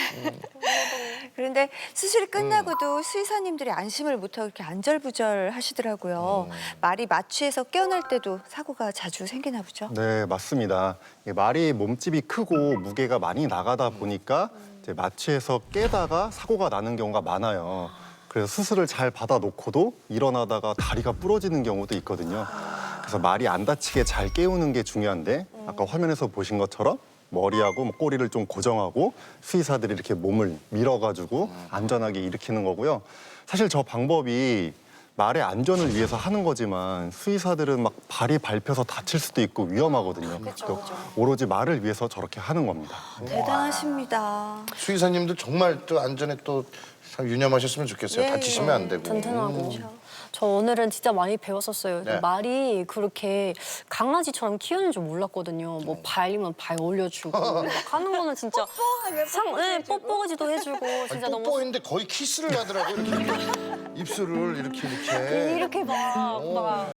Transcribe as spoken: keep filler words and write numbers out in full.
그런데 수술이 끝나고도 수의사님들이 안심을 못하고 이렇게 안절부절 하시더라고요. 말이 마취해서 깨어날 때도 사고가 자주 생기나 보죠? 네, 맞습니다. 이게 말이 몸집이 크고 무게가 많이 나가다 보니까 이제 마취해서 깨다가 사고가 나는 경우가 많아요. 그래서 수술을 잘 받아놓고도 일어나다가 다리가 부러지는 경우도 있거든요. 그래서 말이 안 다치게 잘 깨우는 게 중요한데 아까 화면에서 보신 것처럼 머리하고 뭐 꼬리를 좀 고정하고 수의사들이 이렇게 몸을 밀어가지고 안전하게 일으키는 거고요. 사실 저 방법이 말의 안전을 위해서 하는 거지만 수의사들은 막 발이 밟혀서 다칠 수도 있고 위험하거든요. 그래서 오로지 말을 위해서 저렇게 하는 겁니다. 대단하십니다. 수의사님들 정말 또 안전에 또 참 유념하셨으면 좋겠어요. 예, 다치시면 안 되고. 든든하고. 저 오늘은 진짜 많이 배웠었어요. 네. 말이 그렇게 강아지처럼 키우는 줄 몰랐거든요. 뭐 발이면 발 올려주고 막 하는 거는 진짜 상, 네, 뽀뽀지도 해주고 진짜 아니, 너무 뽀뽀했는데 거의 키스를 하더라고요. 이렇게, 이렇게 입술을 이렇게 이렇게. 이렇게 막, 막